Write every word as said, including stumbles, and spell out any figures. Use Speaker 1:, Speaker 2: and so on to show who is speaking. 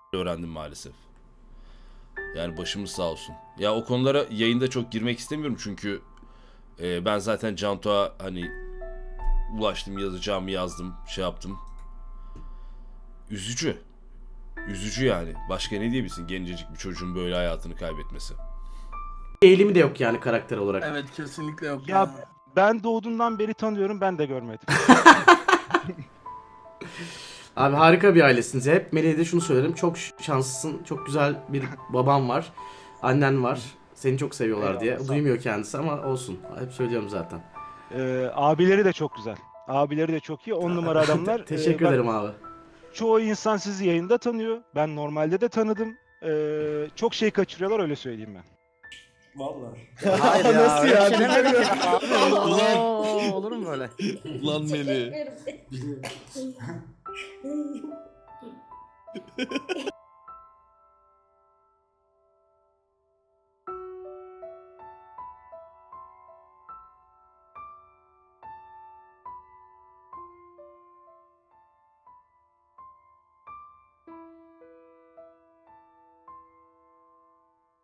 Speaker 1: öğrendim maalesef. Yani başımız sağ olsun. Ya o konulara yayında çok girmek istemiyorum çünkü e, ben zaten Canto'ya hani ulaştım, yazacağımı yazdım, şey yaptım. Üzücü. Üzücü yani. Başka ne diyebilirsin gencecik bir çocuğun böyle hayatını kaybetmesi.
Speaker 2: Eğilimi de yok yani karakter olarak.
Speaker 3: Evet kesinlikle yok
Speaker 4: Ya
Speaker 3: ya.
Speaker 4: ben doğduğumdan beri tanıyorum, ben de görmedim.
Speaker 2: Abi harika bir ailesiniz. Hep Melih'e de şunu söylerim. Çok şanslısın. Çok güzel bir baban var. Annen var. Seni çok seviyorlar
Speaker 4: Eyvallah,
Speaker 2: diye.
Speaker 4: sağ ol.
Speaker 2: Duymuyor kendisi ama olsun. Hep söylüyorum zaten.
Speaker 4: Ee, abileri de çok güzel. Abileri de çok iyi. On numara adamlar.
Speaker 2: Teşekkür
Speaker 4: Ee, ben-
Speaker 2: ederim abi.
Speaker 4: Çoğu insan sizi yayında tanıyor. Ben normalde de tanıdım. Ee, çok şey kaçırıyorlar, öyle söyleyeyim ben.
Speaker 5: Vallahi.
Speaker 2: Hayır ya.
Speaker 5: Nasıl ya?
Speaker 2: öyle bir şey demedim ya. Abi,
Speaker 1: Ulan.
Speaker 2: oo, olur mu böyle?
Speaker 1: Lan Meli.